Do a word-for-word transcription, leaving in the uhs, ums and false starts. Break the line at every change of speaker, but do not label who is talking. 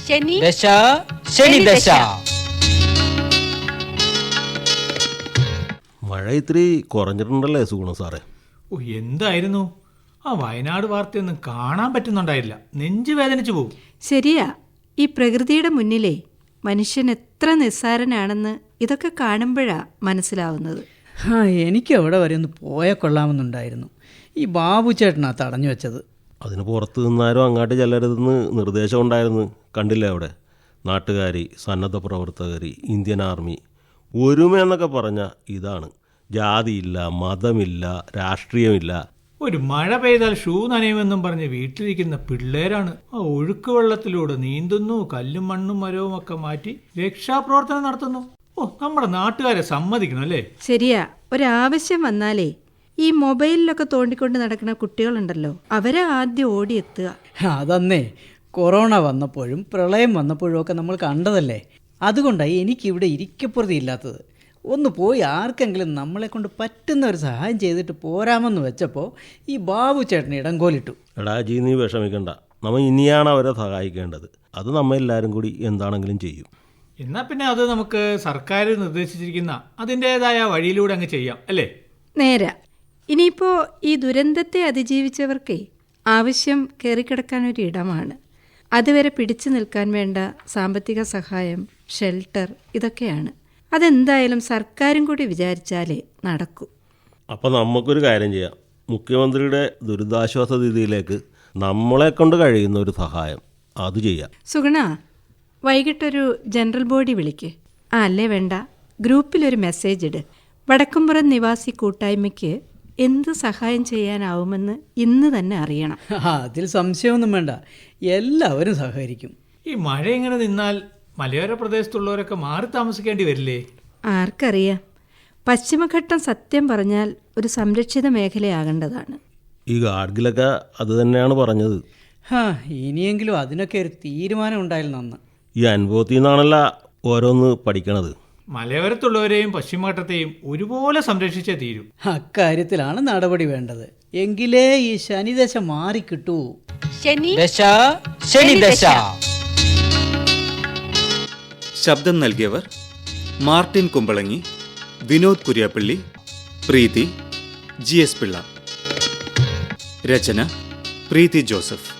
ശനി
ദശ ശനി ദശ.
മഴ ഇത്തിരി കുറഞ്ഞിട്ടുണ്ടല്ലേ സുഗുണം സാറേ?
ഓ, എന്തായിരുന്നു ആ വയനാട് വാർത്തയൊന്നും കാണാൻ പറ്റുന്നുണ്ടായില്ല. നെഞ്ചു വേദനിച്ചു പോകും.
ശരിയാ. ഈ പ്രകൃതിയുടെ മുന്നിലേ മനുഷ്യൻ എത്ര നിസ്സാരനാണെന്ന് ഇതൊക്കെ കാണുമ്പോഴാ മനസ്സിലാവുന്നത്.
ആ എനിക്ക് അവിടെ വരെ ഒന്ന് പോയാൽ കൊള്ളാമെന്നുണ്ടായിരുന്നു. ഈ ബാബു ചേട്ടനാ തടഞ്ഞു വെച്ചത്.
അതിന് പുറത്ത് നിന്നാരും അങ്ങോട്ട് ചെല്ലരുതെന്ന് നിർദ്ദേശം ഉണ്ടായിരുന്നു. കണ്ടില്ലേ അവിടെ നാട്ടുകാരി, സന്നദ്ധ പ്രവർത്തകർ, ഇന്ത്യൻ ആർമി, ഒരുമ എന്നൊക്കെ പറഞ്ഞാൽ ഇതാണ്. ജാതിയില്ല, മതമില്ല, രാഷ്ട്രീയമില്ല.
ഒരു മഴ പെയ്താൽ ഷൂ നനയുമെന്നും പറഞ്ഞ് വീട്ടിലിരിക്കുന്ന പിള്ളേരാണ് ആ ഒഴുക്ക് വെള്ളത്തിലൂടെ നീന്തുന്നു, കല്ലും മണ്ണും മരവും ഒക്കെ മാറ്റി രക്ഷാപ്രവർത്തനം നടത്തുന്നു. ഓ, നമ്മുടെ നാട്ടുകാരെ സമ്മതിക്കണം അല്ലേ?
ശരിയാ. ഒരാവശ്യം വന്നാലേ ഈ മൊബൈലിലൊക്കെ തോണ്ടിക്കൊണ്ട് നടക്കുന്ന കുട്ടികളുണ്ടല്ലോ, അവരെ ആദ്യം ഓടിയെത്തുക.
അതന്നേ കൊറോണ വന്നപ്പോഴും പ്രളയം വന്നപ്പോഴും ഒക്കെ നമ്മൾ കണ്ടതല്ലേ. അതുകൊണ്ടാണ് എനിക്കിവിടെ ഇരിക്കപ്പുറതി ഇല്ലാത്തത്. ഒന്ന് പോയി ആർക്കെങ്കിലും നമ്മളെ കൊണ്ട് പറ്റുന്ന ഒരു സഹായം ചെയ്തിട്ട് പോരാമെന്ന് വെച്ചപ്പോൾ ഈ ബാബു ചേട്ടന് ഇടംകോലിട്ടു.
എടാ ജി, നീ വിഷമിക്കണ്ട. നമ്മൾ ഇനിയാണ് അവരെ സഹായിക്കേണ്ടത്. അത് നമ്മൾ എല്ലാവരും കൂടി എന്താണെങ്കിലും ചെയ്യും.
എന്നാൽ പിന്നെ അത് നമുക്ക് സർക്കാർ നിർദ്ദേശിച്ചിരിക്കുന്ന അതിൻ്റെതായ വഴിയിലൂടെ അങ്ങ് ചെയ്യാം അല്ലേ?
നേരാ. ഇനിയിപ്പോൾ ഈ ദുരന്തത്തെ അതിജീവിച്ചവർക്കേ ആവശ്യം കയറിക്കിടക്കാനൊരു ഇടമാണ്. അതുവരെ പിടിച്ചു നിൽക്കാൻ വേണ്ട സാമ്പത്തിക സഹായം, ഷെൽട്ടർ, ഇതൊക്കെയാണ്. അതെന്തായാലും സർക്കാരും കൂടി വിചാരിച്ചാലേ നടക്കൂ.
അപ്പം നമുക്കൊരു കാര്യം ചെയ്യാം. മുഖ്യമന്ത്രിയുടെ ദുരിതാശ്വാസ നിധിയിലേക്ക് നമ്മളെ കൊണ്ട് കഴിയുന്ന ഒരു സഹായം അത് ചെയ്യാം.
സുഗുണ, വൈകിട്ടൊരു ജനറൽ ബോഡി വിളിക്ക്. ആ അല്ലേ വേണ്ട, ഗ്രൂപ്പിലൊരു മെസ്സേജ് ഇട്. വടക്കുംപുറം നിവാസി കൂട്ടായ്മയ്ക്ക് എന്ത് സഹായം ചെയ്യാനാവുമെന്ന് ഇന്ന് തന്നെ അറിയണം.
അതിൽ സംശയമൊന്നും വേണ്ട, എല്ലാവരും സഹകരിക്കും.
ഈ മഴ ഇങ്ങനെ നിന്നാൽ മലയോര പ്രദേശത്തുള്ളവരൊക്കെ മാറി താമസിക്കേണ്ടി വരില്ലേ?
ആർക്കറിയാം. പശ്ചിമഘട്ടം സത്യം പറഞ്ഞാൽ ഒരു സംരക്ഷിത മേഖലയാകേണ്ടതാണ്.
ഈ ഗാഡ്ഗിലൊക്കെ അത് തന്നെയാണ് പറഞ്ഞത്.
ഹാ, ഇനിയെങ്കിലും അതിനൊക്കെ ഒരു തീരുമാനം ഉണ്ടായാലും നന്ന്.
ഈ അനുഭവത്തിൽ നിന്നാണല്ലോ ഓരോന്ന് പഠിക്കണത്.
മലയോരത്തുള്ളവരെയും പശ്ചിമഘട്ടത്തെയും ഒരുപോലെ സംരക്ഷിച്ചേ തീരൂ.
അക്കാര്യത്തിലാണ് നടപടി വേണ്ടത്. എങ്കിലേ ഈ ശനിദശ മാറിക്കിട്ടൂ.
ശനി
ദശ ശനി ദശ.
ശബ്ദം നൽകിയവർ Martin Kumbalangi, Vinod Kuriappally, Preethi, G S Pillai. രചന പ്രീതി ജോസഫ്.